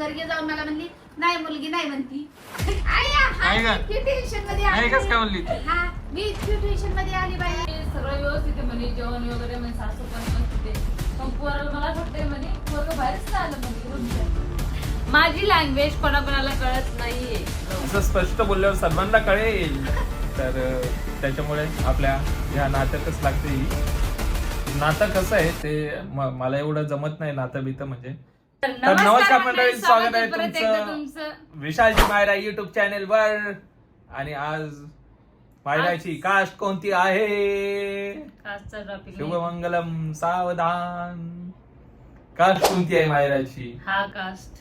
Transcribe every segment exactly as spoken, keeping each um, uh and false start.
घरी जाऊन मला म्हणली नाही मुलगी नाही म्हणती. टेन्शन मध्ये आली. हा मी टेन्शन मध्ये आली बाई. सगळं व्यवस्थित आहे म्हणे, जेवण वगैरे म्हणजे सासू पण व्यवस्थित आहे. पण पोराला मला वाटतंय म्हणे पोरगं बाहेरच आलं म्हणे. माझी लँग्वेज कोणाकोणाला कळत नाहीये. असं स्पष्ट बोलल्यावर सर्वांना कळेल. तर त्याच्यामुळे आपल्या ह्या नात्यातच लागते. नातं कसं आहे ते मला एवढं जमत नाही नातं बितं म्हणजे. तर नमस्कार मंडळी, स्वागत आहे तुमचं विशालची मायरा युट्यूब चॅनेल वर. आणि आज मायराची कास्ट कोणती आहे? शुभमंगलम सावधान. कास्ट कोणती आहे मायराची? हा कास्ट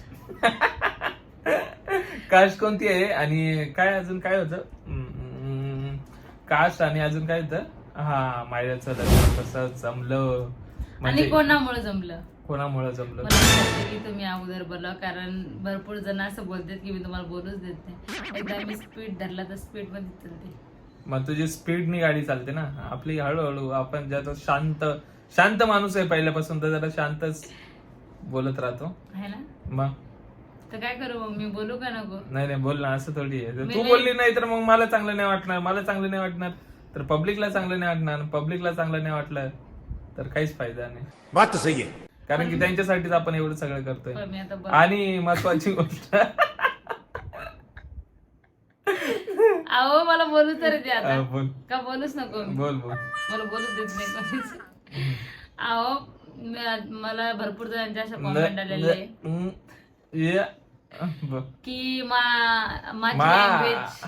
कास्ट कोणती आहे आणि काय अजून काय होतं? कास्ट आणि अजून काय होतं? हा मायराचं लग्न कसं जमलं आणि कोणामुळे जमलं कोणामुळे जमलं की तुम्ही अगोदर बोला. कारण भरपूर जण असं बोलतात की मी तुम्हाला बोलूच देत नाही. एकदा मी स्पीड धरला तर स्पीड मध्ये चालते. मग तुझी स्पीडनी गाडी चालते ना. आपली हळूहळू. आपण ज्यात शांत शांत माणूस आहे पहिल्यापासून, तर जरा शांतच बोलत राहतो है ना. मग तर काय करू मग मी बोलू का नको? नाही नाही बोल ना. असं थोडी आहे. तू बोलली नाही तर मग मला चांगलं नाही वाटणार. मला चांगलं नाही वाटणार तर पब्लिकला चांगलं नाही वाटणार. पब्लिकला चांगलं नाही वाटलं तर काहीच फायदा नाही. बात सही आहे. कारण की त्यांच्यासाठीच आपण एवढं सगळं करतोय. पण मी आता बघ- आणि महत्वाची गोष्ट अहो मला बोलू तर दे आता. हा, बोल का बोलूच नको? बोल बोल मला बोलूच देत नाही कोणीच. अहो म- मला भरपूर जणांच्या अशा कॉमेंट आलेले ये ब- की मा- माझी मा- लँग्वेज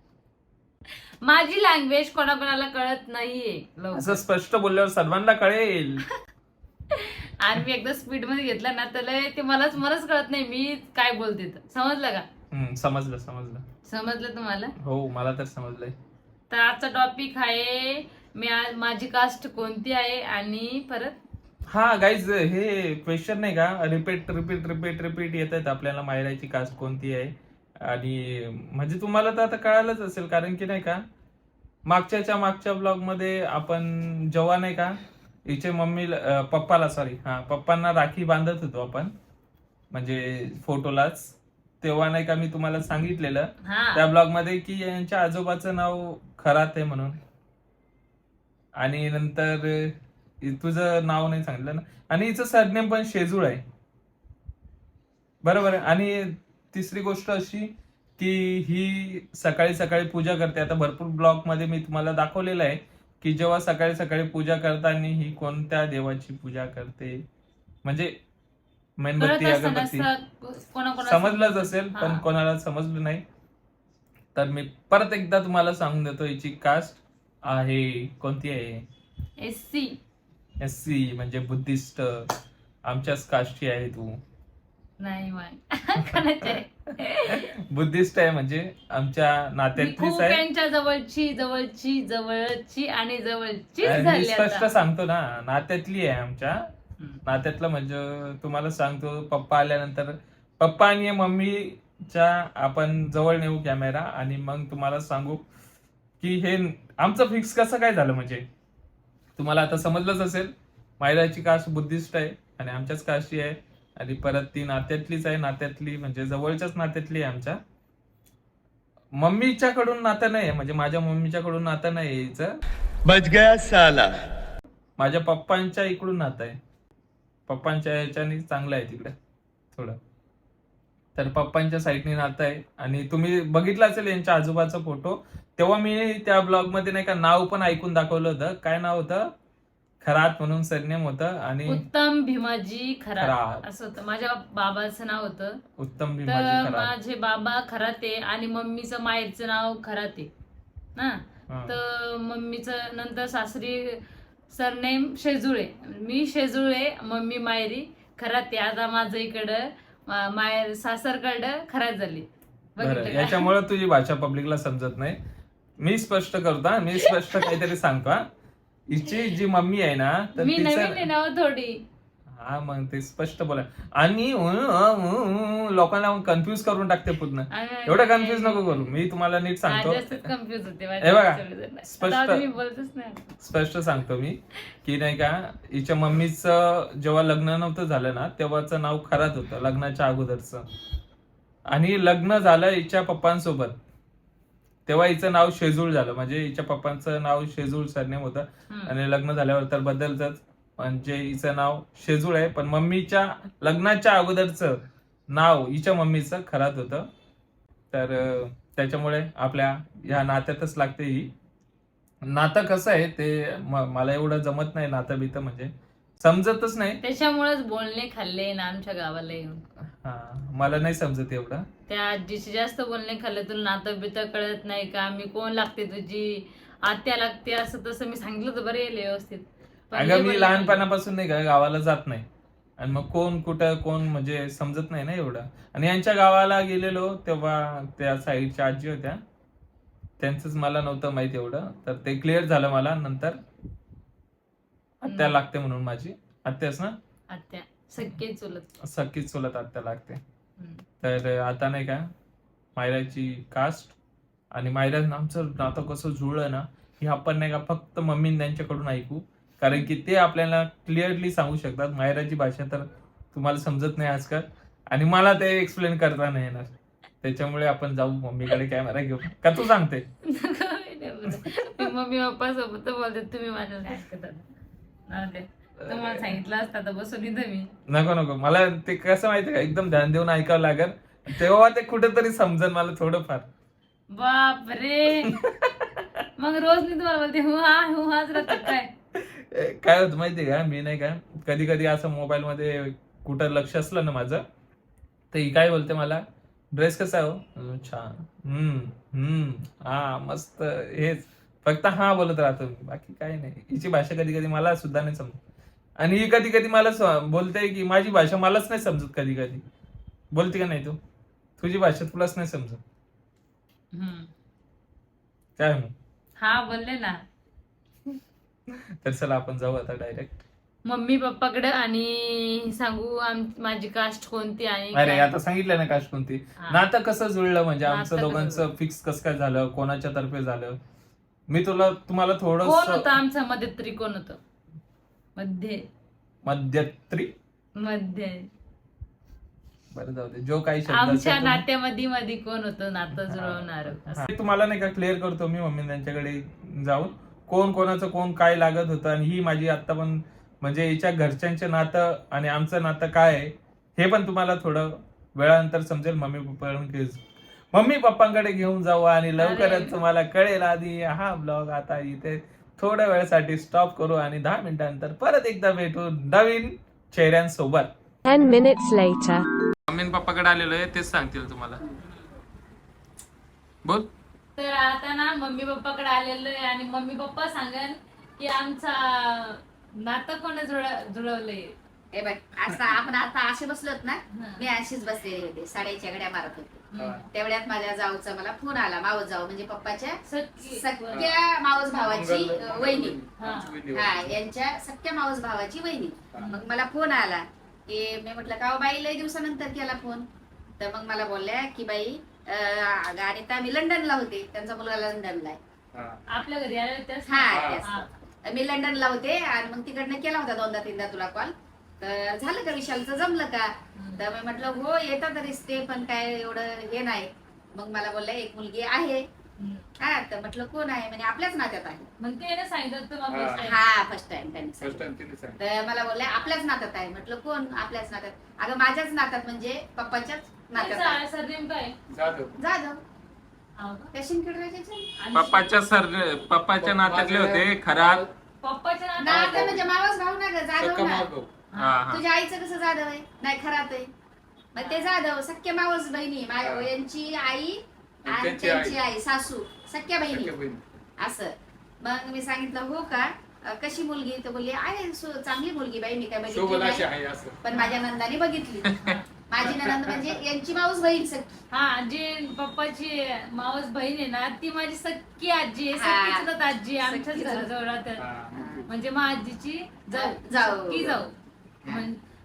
माझी लँग्वेज कोणाकोणाला कळत नाहीये लवकर. असं स्पष्ट बोलल्यावर सर्वांना कळेल. आणि मी एकदा स्पीड मध्ये घेतला ना त्याला ते मलाच मलाच कळत नाही मी काय बोलते. तर समजलं का? हम्म, समजलं समजलं समजलं तुम्हाला? हो मला तर समजलंय. तर आजचा टॉपिक आहे मी आज माझी कास्ट कोणती आहे. आणि परत हा गाईज हे क्वेश्चन नाही का रिपीट रिपीट रिपीट रिपीट येत आहेत आपल्याला. मायराची कास्ट कोणती आहे आणि म्हणजे तुम्हाला तर आता कळालंच असेल. कारण की नाही का मागच्याच्या मागच्या ब्लॉग मध्ये आपण जेव्हा नाही का हिचे मम्मी पप्पाला सॉरी हा पप्पांना राखी बांधत होतो आपण म्हणजे फोटोलाच. तेव्हा नाही का मी तुम्हाला सांगितलेलं हा त्या ब्लॉग मध्ये की यांच्या आजोबाचं नाव खरात आहे म्हणून. आणि नंतर तुझं नाव नाही सांगितलं ना. आणि हिचं सरनेम पण शेजूळ आहे बरोबर आहे. आणि तिसरी गोष्ट अशी की ही सकाळी सकाळी पूजा करते. आता भरपूर ब्लॉग मध्ये मी तुम्हाला दाखवलेलं आहे की जेव्हा सकाळी सकाळी पूजा करताना ही कोणत्या देवाची पूजा करते म्हणजे मेणबत्ती अगरबत्ती. समजलंच असेल पण कोणाला समजलं नाही तर मी परत एकदा तुम्हाला सांगून देतो. हिची कास्ट आहे कोणती आहे? S C. एस सी म्हणजे बुद्धिस्ट. आमच्याच कास्टची आहे तू. नाही बुद्धिस्ट आहे म्हणजे आमच्या नात्यातलीच खूप आहे. त्यांच्या जवळची जवळची जवळची आणि जवळची मी झाली स्पष्ट आता. सांगतो ना नात्यातली आहे आमच्या. नात्यातलं म्हणजे तुम्हाला सांगतो पप्पा आल्यानंतर पप्पा आणि मम्मीच्या आपण जवळ नेऊ कॅमेरा आणि मग तुम्हाला सांगू की हे आमचं फिक्स कसं काय झालं. म्हणजे तुम्हाला आता समजलंच असेल. मायराची कास्ट बुद्धिस्ट आहे आणि आमच्याच कास्टची आहे. आणि परत ती नात्यातलीच आहे. नात्यातली म्हणजे जवळच्याच नात्यातली आहे आमच्या. मम्मीच्याकडून नातं नाही म्हणजे माझ्या मम्मीच्याकडून नातं नाही हिचं. बच गया साला. माझ्या पप्पांच्या इकडून नातं आहे. पप्पांच्या ह्याच्यानी चांगलं आहे तिकडे थोडं. तर पप्पांच्या साईडनी नातं आहे. आणि तुम्ही बघितलं असेल यांच्या आजोबाचा फोटो. तेव्हा मी त्या ब्लॉग मध्ये नाही का नाव पण ऐकून दाखवलं होतं. काय नाव होतं? खरात म्हणून सरनेम होतं. आणि उत्तम भीमाजी खरात खरात. असं होतं. माझ्या बाबाचं नाव होतं उत्तम तर भीमाजी खरात. माझे बाबा खराते आणि मम्मीचं माहेरचं नाव खराते ना. हा. तर मम्मीचं नंतर सासरी सरनेम शेजुळे. मी शेजुळे मम्मी मायरी खराते. आता माझं इकडं मा- मायर सासरकडं खरात झाली. बरं बघितलं का? याच्यामुळे तुझी भाषा पब्लिकला समजत नाही. मी स्पष्ट करतो हा. मी स्पष्ट काहीतरी सांगतो हा. हिची जी मम्मी आहे ना तर मी नवीन आहे तिचं ना हो थोडी. हा मग ते स्पष्ट बोला आणि लोकांना कन्फ्युज करून टाकते पूर्ण. एवढं कन्फ्युज नको करू, मी तुम्हाला नीट सांगतो. कन्फ्युज होते हे बघा स्पष्ट मी बोलतच नाही. स्पष्ट सांगतो मी की नाही का, हिच्या मम्मीचं जेव्हा लग्न नव्हतं झालं ना तेव्हाचं नाव खरात होतं लग्नाच्या अगोदरचं, आणि लग्न झालं हिच्या पप्पांसोबत तेव्हा हिचं नाव शेजूळ झालं. म्हणजे हिच्या पप्पांचं नाव शेजूळ सरनेम होतं आणि लग्न झाल्यावर तर बदलतच, म्हणजे हिचं नाव शेजूळ आहे, पण मम्मीच्या लग्नाच्या अगोदरचं नाव हिच्या मम्मीचं खरात होतं. तर त्याच्यामुळे आपल्या ह्या नात्यातच लागते ही. नातं कसं आहे ते मला एवढं जमत नाही, नातं बितं म्हणजे समजतच नाही. त्याच्यामुळेच बोलणे खाल्ले ना आमच्या गावाला येऊन. हा मला नाही समजत एवढं. त्या आजीचे जास्त बोलणे खाल्ले, तुला नातं बितं कळत नाही का, मी कोण लागते तुझी आत्या लागते असं तसं मी सांगितलं तर बरं येईल व्यवस्थित. अगं मी लहानपणापासून नाही का गावाला जात नाही, आणि मग कोण कुठं कोण म्हणजे समजत नाही ना एवढं. आणि यांच्या गावाला गेलेलो तेव्हा त्या साईडच्या आजी होत्या, त्यांचंच मला नव्हतं माहित एवढं, तर ते क्लिअर झालं मला नंतर. आत्या लागते म्हणून, माझी आत्याच ना, आत्या सख्खी चुलत सख्खीच चुलत आत्या लागते. तर आता नाही का मायराची कास्ट आणि मायरा आमचं नातं कसं जुळलं ना हे आपण नाही का फक्त मम्मी त्यांच्याकडून ऐकू, कारण की ते आपल्याला क्लिअरली सांगू शकतात. मायराची भाषा तर तुम्हाला समजत नाही आजकाल, आणि मला ते एक्सप्लेन करता नाही येणार. त्याच्यामुळे आपण जाऊ मम्मीकडे कॅमेरा घेऊ का, तू सांगते. मम्मी पप्पा सोबत बोलते, तुम्ही माझ्या ऐकतात. तुम्हाला सांगितलं असतं तर बसून इथं मी. नको नको, मला ते कसं माहितीये का एकदम ध्यान देऊन ऐकावं लागेल, तेव्हा ते कुठेतरी समजेल मला थोडंफार. बाप रे, मग रोज मी तुम्हाला बोलते हु हा हु हाच राहतात काय. काय होतं माहितीये का, मी नाही का कधी कधी असं मोबाईल मध्ये कुठं लक्ष असलं ना माझं, तर ही काय बोलते मला, ड्रेस कसा आहे हो, छान, हम्म हम्म हा मस्त, हेच फक्त हा बोलत राहतो मी, बाकी काही नाही. हिची भाषा कधी कधी मला सुद्धा नाही समजत, आणि ही कधी कधी मला बोलते की माझी भाषा मलाच नाही समजत. कधी कधी बोलते का नाही तू, तुझी भाषा तुलाच नाही समजत काय मग. हा बोलले ना. तर चला आपण जाऊ आता डायरेक्ट मम्मी पप्पाकडे, आणि सांगू माझी कास्ट कोणती आणि अरे आता सांगितलं ना कास्ट कोणती. नातं कसं जुळलं म्हणजे आमचं दोघांचं फिक्स कसं काय झालं, कोणाच्या तर्फे झालं, मी तुला तुम्हाला थोडं. कोण होतं आमच्या मध्यत्री, कोण होतं मध्ये मध्यत्री मध्ये, बरं जाऊ दे, जो काही शब्द आमच्या नात्यामध्ये मध्ये कोण होतं नातं जुळवणार. तुम्हाला नाही का क्लिअर करतो मी मम्मी त्यांच्याकडे जाऊन, कोण कोणाचं कोण काय लागत होतं. आणि ही माझी आता पण म्हणजे हिच्या घरच्यांचे नातं आणि आमचं नातं काय आहे हे पण तुम्हाला थोडं वेळानंतर समजेल. मम्मी पप्पा मम्मी पप्पांकडे घेऊन जाऊ आणि लवकरच तुम्हाला कळेल. आधी हा ब्लॉग आता इथे थोड्या वेळासाठी स्टॉप करू आणि दहा मिनिटांनंतर परत एकदा भेटू नवीन चेहऱ्यांसोबत. ten minutes later. मम्मी पप्पाकडे आलेलो आहे, तेच सांगतील तुम्हाला. बोल. तर आता ना मम्मी पप्पाकडे आलेलो आहे, आणि मम्मी पप्पा सांगन की आमचा नातं कोण जुळवलंय. हे बघ असं आपण आता असे बसलोत ना, मी अशीच बसलेली होते, साड्याच्या घड्या मारत होते. तेवढ्यात माझ्या जाऊचा मला फोन आला, मावस जाऊ म्हणजे पप्पाच्या सख्या मावस भावाची वहिनी, हा यांच्या सख्या मावस भावाची वहिनी. मग मला फोन आला की मी म्हटलं का हो बाई लय दिवसानंतर केला फोन. तर मग मला बोलल्या की बाई अनिता मी लंडनला होते, त्यांचा मुलगा लंडनला आहे, आपल्या घरी आले. हा मी लंडनला होते, आणि मग तिकडनं केला होता दोनदा तीनदा तुला कॉल. तर झालं का विशालचं जमलं का. तर मी म्हटलं हो येतात रिश्ते, पण काय एवढं हे नाही. मग मला बोलल्या एक मुलगी आहे. हा तर म्हटलं कोण आहे, म्हणजे आपल्याच नात्यात आहे. मग ते सांगितलं हा फर्स्ट टाइम त्यांनी सांगितलं. तर मला बोलल्या आपल्याच नात्यात आहे. म्हटलं कोण आपल्याच नात्यात, अगं माझ्याच नात्यात म्हणजे पप्पाच्याच नात्यात. सरनेम काय, जाधव. पप्पाच्या सर पप्पाच्या नात्यातले होते खरात. पप्पाच्या नात्यात म्हणजे मावस भाऊ ना ग, जाधव ना. तुझ्या आईचं कसं जाधव आहे, नाही खरात आहे, मग ते जाधव सख्या मावस बहिणी, यांची आई आणि त्यांची आई सासू सख्या बहिणी असं. मग मी सांगितलं हो का, कशी मुलगी, तर बोलली आहे चांगली मुलगी बाई, मी काय बघितली पण माझ्या नंदाने बघितली. माझी ननंद म्हणजे यांची मावस बहीण सख्खी. हा जी पप्पाची मावस बहीण आहे ना, ती माझी सख्खी आजी आहे, सख्खी आजी आमच्याच घराजवळ राहतात. म्हणजे मग आजीची जाऊ जाऊ की जाऊ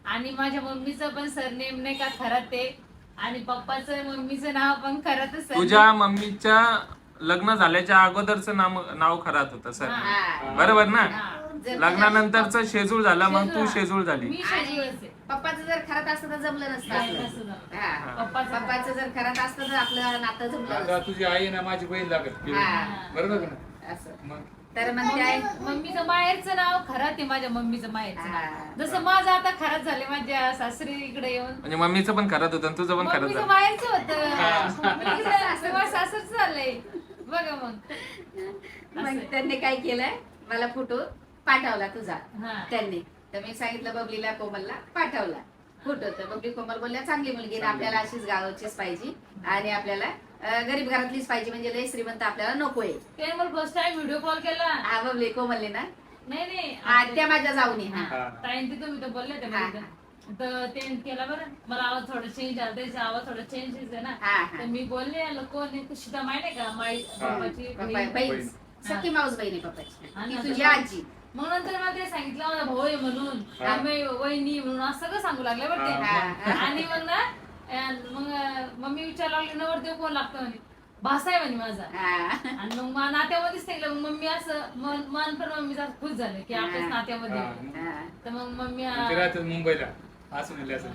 आणि माझ्या मम्मीचं पण सरनेम नाही का खराते आणि पप्पाचं मम्मीचं नाव पण खरातच आहे. तुझ्या मम्मीच्या लग्न झाल्याच्या अगोदरचं नाव नाव खरात होतं सर, हा. बरोबर ना? हा. जर लग्नानंतरच शेजूळ झाला, मग तू शेजूळ. शेजूळ झाली. मी आणि शेजूळच आहे. पप्पाचं जर खरात असतं तर जमलं नसतं नाही, आपलं. तसं झालं. हा. पप्पाचं पप्पाचं जर खरात असतं तर आपलं नातं जमलं आता नसतं. तुझी आई ना माझी बहीण लागत हा. बरोबर का ना? असं मग तर मग काय मम्मी- मम्मीचं माहेरचं नाव खरात आहे माझ्या मम्मीचं माहेरचं हा. नाव. जसं माझं आता खरात झाले माझ्या सासरी इकडे येऊन म्हणजे मम्मीचं पण खरात होतं आणि तुझं पण खरात मम्मीचं झालं. माहेरचं होतं मी इकडे असं माझ्या सासरचं झालंय बघा मग मग असं. त्यांनी काय केलंय मला फोटो पाठवला तुझा हा. त्यांनी. तर मी सांगितलं बबलीला कोमलला पाठवला फोटो. तर बबली कोमल बोलल्या चांगली मुलगी आहे, आपल्याला अशीच गावाचीच पाहिजे आणि आपल्याला अं, गरीब घरातलीच पाहिजे, म्हणजे लय श्रीमंत आपल्याला नकोय. त्याने मला फर्स्ट टाइम व्हिडिओ कॉल केला. हा बबली कोमलने ना नाही नाही हा त्या माझ्या जाऊनी. हा हा. ताईन ते तुम्ही तर बोलले ते हा. मला. तर ते केला बरं मला आवाज थोडा चेंज आला त्याचा आवाज थोडा चेंज आहे ना. हा, हा. तर मी बोलले कोण आहे तू सीता माहिती आहे का माई हा. पप्पाची पप्पा बहीण. बहीण बहीण. सख्खी माऊस बहीण आहे पप्पाची, आणि ती तुझी नंतर- आजी. मग नंतर मला ते सांगितलं माझा भाऊ आहे म्हणून हा. आम्ही वहिनी म्हणून असं सगळं सांगू लागले बरं ते. हा, हा. आणि मग ना अं, मग अं, मम्मी विचारायला लागली नवरदेव कोण लागतो म्हणे भासा आहे म्हणे माझा. हा. आणि मग मा- नात्यामध्येच सांगितलं मग मम्मी असं मन मन पण मम्मीचा खुश झालं की आपल्याच हा. नात्यामध्ये हा. आहे. हा. तर मग मम्मी ते राहतात मुंबईला असं म्हणले असं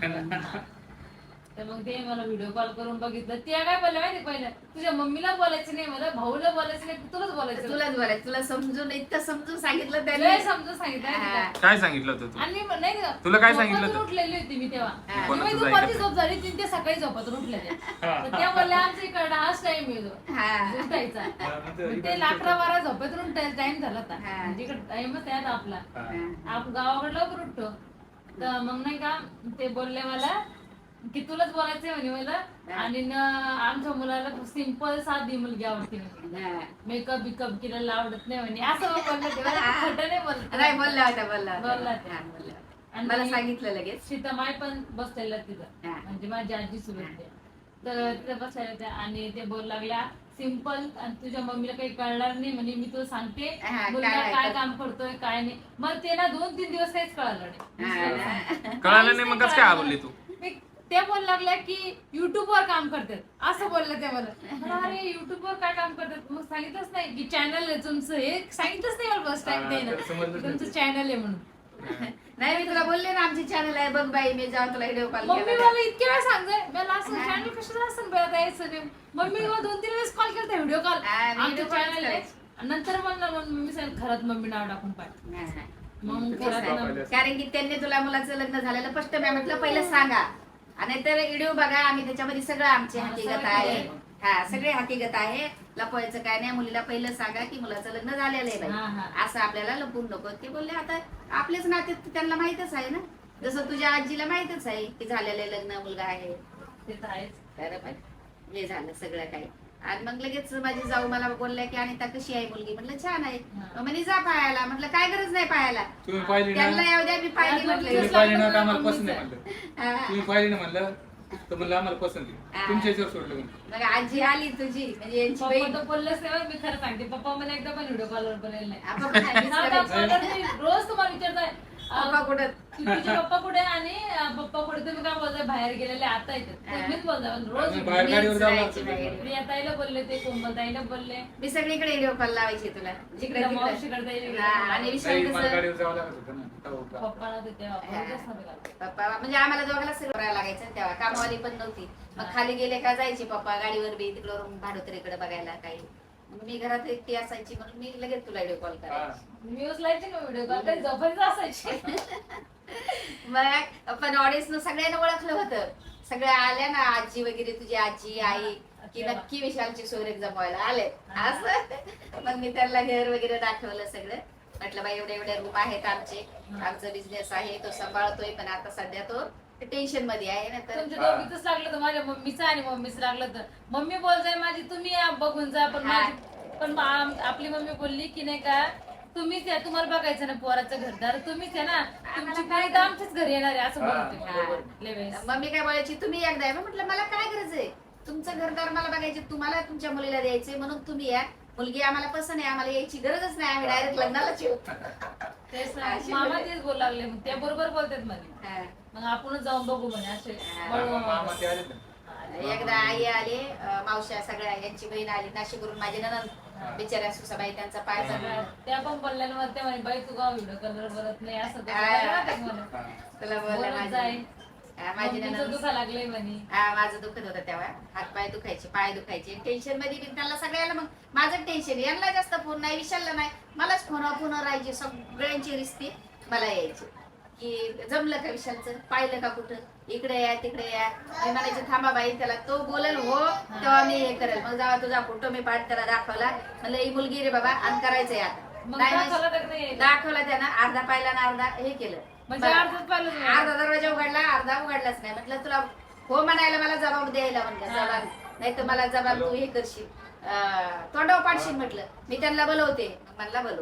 तर मग ते मला व्हिडिओ कॉल करून बघितलं ते काय बोलले माहिती पहिलं तुझ्या मम्मीला बोलायचं नाही मला भाऊला बोलायचं नाही तुलाच बोलायचं. तुलाच बोलायचं, तुला समजून इतकं समजून सांगितलं लय त्याने. समजून सांगितलं माहिती का? हा. काय सांगितलं होतं तू? आणि मग नाही का, तुला काय सांगितलं झोपेतून होतं? उठलेली होती मी तेव्हा. हा. मी कोणाचं दुपारची ऐकत झोप झाली तीन ते सकाळी झोपातून उठले ते. हा. तर त्या बोलल्या आमच्या इकडे हाच टाइम येतो हा. उठायचा. हा, मग ते मग ते अकरा बारा झोपेतून टाइम झाला होता. हा. म्हणजे इकडे टाइमच आहे आता आपला. हा. आपण गावाकडे लवकर उठतो. तर मग नाही का ते बोलले मला की तुलाच बोलायचंय म्हणे मला. आणि न आमच्या मुलाला सिंपल साधी मुलगी आवडते म्हणे. हा. मेकअप बिकअप केलेला आवडत नाही म्हणे असं मग बोलले ते. मला ते खोटं नाही बोलत. नाही बोलला होता बोलला होता. बोलला होता. हा, बोलला होता. आणि मला सांगितलं लगेच. सीतामाई पण बसलेल्या तिथं. हा. म्हणजे माझी आजी सुरत तर तिथं बसलेल्या होत्या आणि ते बोल लागल्या सिंपल आणि तुझ्या मम्मीला काही कळणार नाही म्हणे मी तुला सांगते हा, मुलगा काय काय ऐकत- काम करतोय काय नाही. मग ते ना दोन तीन दिवस काहीच कळालं नाही. हा ना. कळालं नाही मग कसं काय आवडली तू? मी- ते बोल लागल्या की युट्यूब वर काम करतात असं बोललं ते मला. मला अरे युट्यूब वर काय काम करतात मग सांगितलंच नाही की चॅनल आहे तुमचं हे सांगितलंच नाही मला फर्स्ट टाइम हा, ते तर समजलंच ना नाही. तुमचं चॅनल आहे म्हणून. नाही मी तुला बोलले ना आमची चॅनल आहे बघ बाई, मी जाऊन तुला व्हिडिओ कॉल मम्मी केला. मला इतके वेळा सांगते मला असं चॅनल कशाला असं बघता यायचं नाही. मम्मी मला दोन तीन वेळेस कॉल केला व्हिडिओ कॉल हा, video आमचं call चॅनल आहे. करायचं. आणि नंतर म्हणलं मग मम्मी सांगितलं खरंच मम्मी नाव टाकून पाठ हा, हा. मग तेच घरात आहे. ना- कारण की त्यांनी तुला मुलाचं लग्न झालेलं स्पष्ट मी म्हटलं पहिलं सांगा आणि तर व्हिडिओ बघा आम्ही त्याच्यामध्ये सगळं आमची हा, हकीकत सगळं आहे. आहे. हा सगळे हकीकत आहे. लपवायचं काय नाही. मुलीला पहिलं सांगा की मुलाचं लग्न झालेलं आहे हा, बाई, हा. असं आपल्याला लपवून नको. ते बोलले आता आपलेच नाते त्यांना माहितच आहे ना, जसं तुझ्या आजीला माहितच आहे की झालेलं आहे, लग्न मुलगा आहे. ते तर आहेच. तर पण हे झालं सगळं काही. आणि मग लगेच माझी जाऊ मला बोलल्या की अनिता कशी आहे मुलगी? म्हटलं छान आहे. हा. मग म्हणे जा पाहायला. म्हटलं काय गरज नाही पाहायला, तुम्ही पाहिली ना त्यांना येऊ द्या मी पाहिली तुम्ही तुम्ही म्हटलं. पाहिली ना तर आम्हाला पसंत नाही म्हणलं. हा. तुम्ही पाहिली ना म्हणलं तर म्हणलं आम्हाला पसंत आहे. हा. तुमच्या याच्यावर सोडलं म्हणून. मग आजी आली तुझी म्हणजे यांची पप्पा बहीण. तर बोललेच नाही बरं, मी खरं सांगते पप्पा मला एकदा पण व्हिडिओ कॉलवर बोलायला नाही. आपण पण आधीच नाव करायचं. दाखवलं नाही. रोज तुम्हाला विचारताय पप्पा कुठं? की तुझे पप्पा कुठे आणि अं, पप्पा कुठे तुम्ही काय बोलताय बाहेर गेलेले आता येतात हा. तुम्हीच बोलताय पण रोज आम्ही बाहेर गाडीवर मीच जावं जायची लागतं. बाहेर. प्रिया ताईला बोलले ते कोमल ताईला बोलले मी सगळीकडे व्हिडिओ कॉल लावायची तुला जिकडे तिकडे तिकडे. मावशीकडे जायला हा, आणि गेले. विषय नाही, मला कसं गाडीवर जावं लागत होतं ना. तेव्हा होता. पप्पाला ते तेव्हा बोलतच नव्हते का. पप्पा म्हणजे आम्हाला दोघांना सगळं करायला लागायचं तेव्हा. कामवाली पण नव्हती. मग खाली गेले का जायचे पप्पा गाडीवर बी तिकडं भाडोत्रीकडे बघायला काही. मग मी घरात एकटी असायची म्हणून मी लगेच तुला व्हिडिओ कॉल हा. करायची. मी उचलायचे ना व्हिडिओ कॉल काही झोपायचं असायचे. मग पण ऑडियन्स सगळ्यांना ओळखलं होतं. सगळ्या आल्या ना आजी वगैरे तुझी आजी आई की नक्की विशालची सोयरेक जमवायला आले असं. मग मी त्यांना घर वगैरे दाखवलं सगळं. म्हटलं बाई एवढे एवढे रूम आहेत आमचे, आमचा बिझनेस आहे तो सांभाळतोय पण आता सध्या तो टेन्शन मध्ये आहे ना. तर तुमच्या दोघीच लागलं तर माझ्या मम्मीचं आणि मम्मीच लागलं तर मम्मी बोलताय माझी तुम्ही या बघून जा पण हा. माझी पण आम- आपली मम्मी बोलली की नाही का तुम्हीच या तुम्हाला बघायचं ना पोराचं घरदार तुम्हीच आहे ना तुमची पोरी तर आमच्याच घरी येणार आहे असं हा. बोलते लय वेळेस. मम्मी काय बोलायची तुम्ही एकदा या. मग म्हटलं मला काय गरज आहे, तुमचं घरदार मला बघायचे, तुम्हाला तुमच्या मुलीला द्यायचे म्हणून तुम्ही या. मुलगी आम्हाला पसंत आहे, आम्हाला यायची गरजच नाही, आम्ही डायरेक्ट लग्नालाच येऊ. तेच ना, अशी मामा बोलले. तेच बोलू लागले मग ते बरोबर बोलतात म्हणे हा. मग आपणच जाऊन बघू म्हणे असे हा. बळू मामा ते आले ना. एकदा आई आले अं, मावश्या सगळ्या यांची बहीण आली नाशिकवरून माझी ननंद बिचाऱ्या सुसाबाई त्यांचा पाय पडला त्या पण बोलल्यावर ते म्हणे बाई तू गाव व्हिडिओ कलर बरत नाही असं तसं हा. बोलल्या ना ते म्हणे. हा. तुला बोलला बोलत माझी जाय. हा, माझी मम्मीचं ननंद दुखा लागले म्हणे हा माझं दुखत होतं तेव्हा हात पाय दुखायचे पाय दुखायचे टेन्शन मध्ये बी त्यांना सगळ्याला मग माझं टेन्शन यांना जास्त फोन नाही विशालला नाही मलाच फोन फोन राहायचे सगळ्यांची रिस्ती मला यायची की जमलं का विशालचं पाहिलं का कुठं इकडे या तिकडे या मी म्हणायचे थांबा बाई त्याला तो बोलेल हो तेव्हा मी हे करेल मग जेव्हा तुझा फोटो मी पाठ त्याला दाखवला म्हणलं ही मुलगी रे बाबा आणि करायचंय आता मग नाही दाखवलं म्हणजे- तर नाही दाखवला त्यानं अर्धा पाहिला ना अर्धा हे केलं म्हणजे अर्धच पाहिलं तुम्ही? अर्धा दरवाजा उघडला अर्धा उघडलाच नाही म्हटलं तुला हो म्हणायला मला जबाब द्यायला म्हणलं हा. जबाब नाही तर मला जबाब तू हे करशील अं, तोंडावर पाडशील म्हटलं मी त्यांना बोलवते मग म्हणला बोलव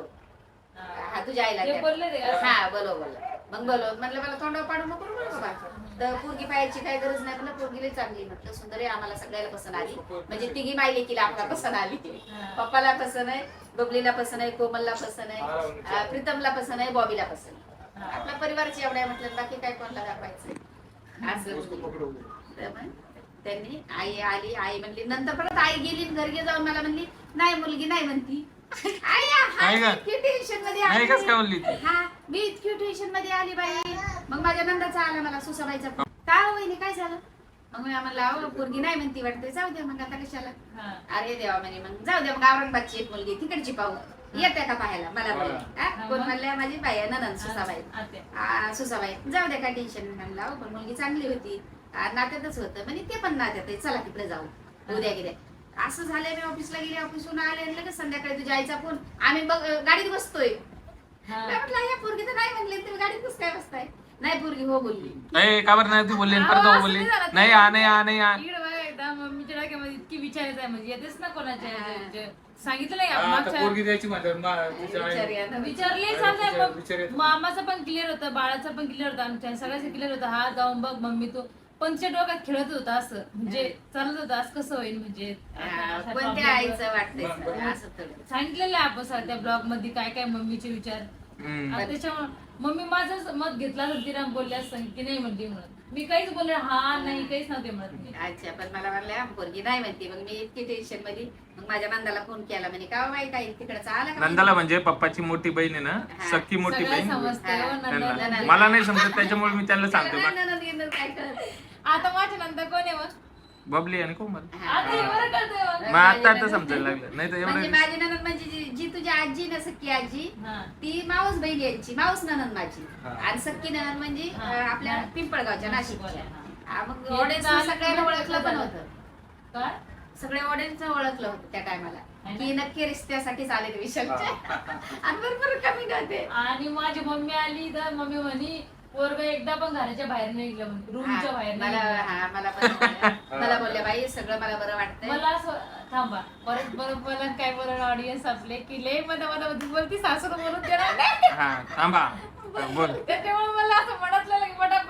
हा तुझ्या आईला ते त्या. बोलले ते का? हा बोलव बोल मग बोलव म्हटलं मला तोंडावर पाडू नको बोल बाबा तर पोरगी पाहायची काही गरज नाही म्हटलं पोरगीला चांगली म्हटलं सुंदर आहे आम्हाला सगळ्याला पसंत आली म्हणजे तिघी मायले की आम्हाला पसंत आली पप्पाला पसंत आहे बबलीला पसंत आहे कोमलला पसंत आहे अं, प्रीतमला पसंत आहे बॉबीला पसंत आहे आपल्या परिवारची एवढ्या आहे म्हटलं बाकी काय कोणाला दाखवायचं असं वस्तू पकडू. तर मग त्यांनी आई आली आई म्हणली नंतर परत आई गेली आणि घरी जाऊन मला म्हणली नाही मुलगी नाही म्हणती आई, हा, नाही का? इतकी टेन्शन मध्ये नाही आली. कस काय म्हणली ती? हा मी इतकी टेन्शन मध्ये आली बाई मग माझ्या नंदाचा आला मला सुसाबाईचा फोन. का हो वहिनी काय झालं मग मी आम्हाला अहो, पोरगी नाही म्हणती वाटते जाऊ द्या मग आता कशाला हा. अरे देवा म्हणे मग जाऊ द्या मग औरंगाबादची एक मुलगी तिकडची पाहू येते का पाहायला मला बोल हा, कोण मग? म्हणल्या माझी बाई आहे ननंद सुसाबाई आत्या. आ, सुसाबाई जाऊ द्या काय टेन्शन म्हणलं अहो, पण मुलगी चांगली होती आ, नात्यातच होतं म्हणजे ते पण नात्यात आहे चला तिकडे जाऊ उद्या गेल्या असं झालं मी ऑफिसला गेले ऑफिसहून आले आणि लगेच संध्याकाळी तुझ्या आईचा फोन आम्ही बघ गाडीत बसतोय हा. मी म्हटलं या पोरगी तर नाही म्हणले तुम्ही गाडीत कसं काय बसताय नाही पोरगी हो बोलली नाही का बरं नाही ती बोलली आणि परत अहो, हो असं बोलली नाही झालं. नाही आ नाही आ नाही आ इकडे बघा एकदा मम्मीच्या डोक्यामध्ये इतकी विचारायचं आहे म्हणजे येतेच ना कोणाच्या म्हणजे सांगितलं नाही हा, का आता मागच्या पोरगी द्यायची म्हणतात मा- तिच्या आई- विचार या ना. विचारले विचार- सांगा विचार येतो. मामाचं पण क्लिअर होतं बाळाचं पण क्लिअर होतं आमच्या सगळ्याचं क्लिअर होतं हा जाऊन बघ मम्मी तू पण तिच्या डोक्यात खेळत होता असं म्हणजे चालत होतं असं कसं होईल म्हणजे आता आ, अशा कोणत्या problem आईचं वाटतंय बरं, बरं. असं थोडं सांगितलेलं आहे आपण सर त्या ब्लॉग मध्ये काय काय मम्मीचे विचार हम्म. आणि त्याच्यामुळे मम्मी माझं मत घेतला तर तिला बोलल्या असं की नाही म्हणते म्हणून मी काहीच बोलले हा नाही काहीच नव्हते म्हणत मी अच्छा पण मला म्हणल्या पोरगी नाही म्हणते मग मी इतकी टेन्शन मध्ये मग माझ्या नंदाला फोन केला म्हणे का बाई काही तिकडचा आला का नंदाला म्हणजे पप्पाची मोठी बहीण आहे ना हा. सख्खी मोठी सगळं बहीण समजतंय हो, हा. नंदा- त्यांना. नंदा- मला नाही समजत त्याच्यामुळे मी त्यांना सांगतो बा- नंदा- नंदा- नंदा काय कळत? आता माझ्या नंतर कोण आहे मग बबली आणि कोमल हा. आता हे बरं कळतंय मग. मग आता आता समजायला लागलं नाही तर म्हणजे एवढं माझी ननंद म्हणजे जी- जी तुझी आजी ना सख्खी आजी हा. ती माऊस बहीण यांची माऊस ननंद माझी हा. आणि सख्खी ननंद म्हणजे हा. अं, आपल्या हा. पिंपळगावच्या नाशिकच्या हा. हा, मग हे ऑडियन्स तर सगळ्यांना आलं- ओळखलं पण होतं काय सगळ्या ऑडियन्स ओळखलं होतं त्या टायमाला है ना? की नक्की रिश्त्यासाठी आले ते विशालचे आणि भरपूर कमी होते आणि माझी मम्मी आली तर मम्मी म्हणी पोरग एकदा पण घराच्या बाहेर नाही गेलं म्हणे रूमच्या हा, बाहेर मला नाही गेलं. हा मला पण बोलल्या- मला बोलल्या बाई सगळं मला बरं वाटतंय मला असं थांबा परत परत बोला काय बोलणार ऑडियन्स आपले की लय मध्ये मध्ये मध्ये बोलती सासू बोलून देणार नाही. हा थांबा बोल त्याच्यामुळे मला असं म्हणतलं की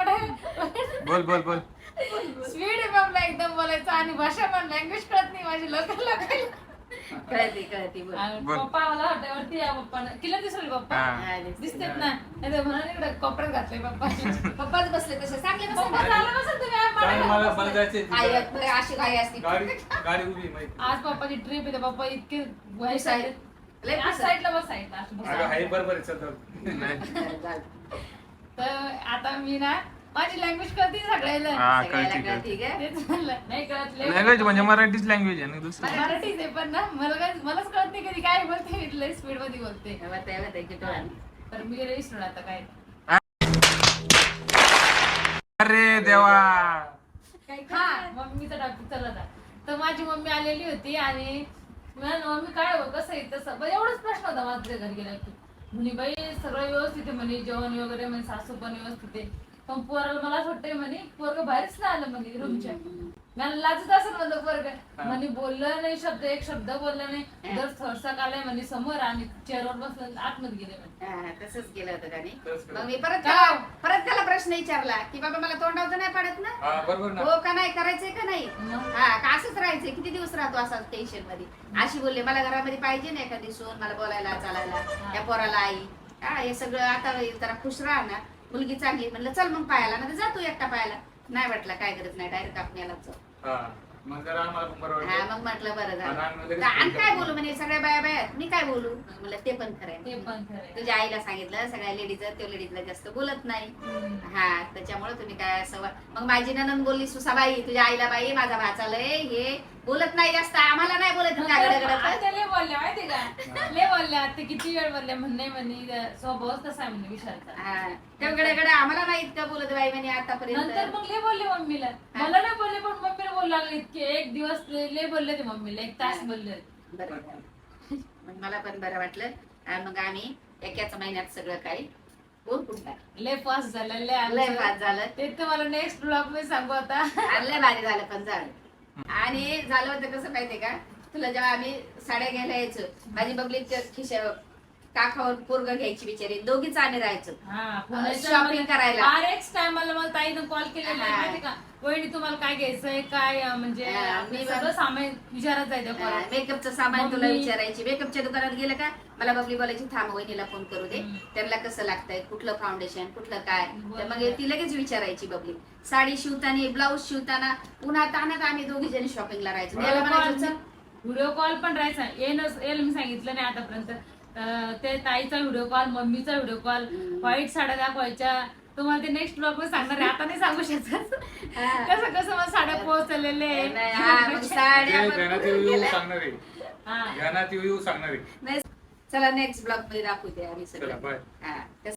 पटापट बोल बोल बोल स्पीड आहे बाबला एकदम बोलायचं आणि भाषा पण लँग्वेज कळत नाही माझी लोकांना कळते कळते बोल बोल. पप्पा मला हॉटेलवरती या पप्पा किल्ला दिसले पप्पा हा. हा, दिसते. दिसतेत ना नाही तर म्हणून इकडे कोपऱ्यात घातले पप्पा पप्पाच बसले तसे चांगले पप्पा बसले झालं बसत तुम्ही आज चालेल, मला- मला मला जायचंय आई तिथं. आहेत, अशी गाडी असते गाडी गाडी उभी आहे माहिती आज पप्पाची ट्रिप येते पप्पा इतके वाईट साईड. साईड लय आज साईडला बस साईडला असं बस. अगं हाय बरोबर आहे सतत नाही तर आता मी ना माझी लँग्वेज कळते सगळ्याला हा सगळ्याला कळते कळते कळते का? तेच म्हणलं नाही कळत लय- लँग्वेज म्हणजे मराठीच लँग्वेज आहे ना दुसरं मराठीच आहे पण ना मला काय मलाच कळत नाही कधी काय बोलते मी लय स्पीड मध्ये बोलते तेव्हा तेव्हा ते किती वेळा. तर मी गेले विसरून आता काय अरे देवा हा मम्मीचा टॉपिक चालला होता तर माझी मम्मी आलेली होती आणि म्हणाल, मम्मी काय हो कसं आहे तसं बरं, एवढाच प्रश्न होता माझा तुझ्या घरी गेला की म्हणे बाई सगळं व्यवस्थित आहे म्हणे जेवण वगैरे म्हणे सासू पण व्यवस्थित आहे पण पोराला मला असं वाटतंय म्हणे पोरग बाहेरच नाही आलं म्हणे रूमच्या मला लाजत असं म्हणलं पोरग म्हणे बोललं नाही शब्द एक शब्द बोलला नाही दर थरसाक आलाय म्हणे समोर आणि चेअरवर बसलं आतमध्ये गेले म्हणे हा, तसंच केलं होतं त्याने तसंच केलं. मग मी परत त्याला परत त्याला प्रश्न विचारला की बाबा मला तोंडावतं नाही पडत ना हा बरोबर ना हो का नाही करायचंय का नाही मग? हा का असंच राहायचंय किती दिवस राहतो असा टेन्शन मध्ये अशी बोलले मला घरामध्ये पाहिजे ना एखादी सून मला बोलायला चालायला त्या पोराला आई हा हे सगळं आता जरा खुश राहा ना, मुलगी चांगली म्हणलं चल मग पायाला ना जातो एकटा पायाला, नाही वाटलं काय गरज नाही डायरेक्ट आपण याला जाऊ. हा मग जरा आम्हाला पण बरं हा वाटलं. मग म्हटलं बरं आणि आम्ही लगेच झालं. आणि फोन काय केला. बोलू म्हणजे सगळ्या बाया बाया मी काय बोलू म्हणलं ते पण खरंय. ते पण खरं तुझ्या आईला सांगितलं सगळ्या लेडीज त्या लेडीजला जास्त बोलत नाही. हा त्याच्यामुळे तुम्ही काय असं वा- मग माझी ननंद बोलली सुसाबाई तुझ्या आईला बाई माझा भाचा लय हे बोलत नाही जास्त, आम्हाला नाही बोलत का गडगडत. आता लय बोलल्या माहिती का, लय बोलल्या आता किती वेळ बोलल्या म्हणणे म्हणे स्वभावच तसा आहे म्हणे विशालचा. हा तेवढे गडे आम्हाला नाही इतकं बोलत बाई म्हणे नंतर आतापर्यंत. मग लय बोलले मम्मीला, मला नाही बोलले पण मम्मीला बोलू लागले इतके एक दिवस लय लय बोलले ते मम्मीला, एक तास बोलले. बरं मग मला पण बरं वाटलं. आणि मग आम्ही एकाच महिन्यात सगळं काही बोलून लय फास्ट झालं लय लय आमचं. फास्ट झालं ते तर मला नेक्स्ट ब्लॉग मध्ये सांगू आता. आणि लय भारी झालं पण झालं. आणि झालं होतं कसं माहितीये का, तुला जेव्हा आम्ही साड्या घ्यायला यायचो माझी बबली खिशा काखावर पोरग घ्यायची बिचारी, दोघीच आम्ही राहायचो हा शॉपिंग करायला. आरएक्स टायमाला मला ताईनं कॉल केलेला आहे हा. माहिती का, वहिनी तुम्हाला काय घ्यायचंय काय अं, म्हणजे हा, आपलं मी सगळं सामान विचारत जायचं कॉल. मेकअपचं सामान तुला मम्मी- विचारायची. मेकअपच्या दुकानात गेलं का मला बबली बोलायची थांब वहिनीला फोन करू दे, हम्म. त्यांना कसं लागतंय कुठलं फाउंडेशन कुठलं काय, तर मग बरोबर. ती लगेच विचारायची बबली. साडी शिवताना ब्लाऊज शिवताना पुन्हा तानात आम्ही दोघी जणी शॉपिंगला राहायचो. याला म्हणायचो चल व्हिडिओ कॉल पण राहायचा येईल येईल मी सांगितलं नाही आतापर्यंत. अं, ते ताईचा व्हिडिओ कॉल मम्मीचा व्हिडिओ कॉल हम्म. व्हाईट साड्या दाखवायच्या. तुम्हाला ते नेक्स्ट ब्लॉग मध्ये सांगणार आहे, आता नाही सांगू शकत हा. कसं कसं मला साड्या पोहोचलेले नाही, हा, मग साड्या ते पण गाण्यात येऊ येऊ गेल्या. सांगणार आहे. हा गाण्यात येऊ येऊ सांगणार आहे. नाही चला नेक्स्ट ब्लॉग मध्ये दाखवू दे आम्ही चला सगळं. बाय. हा कसं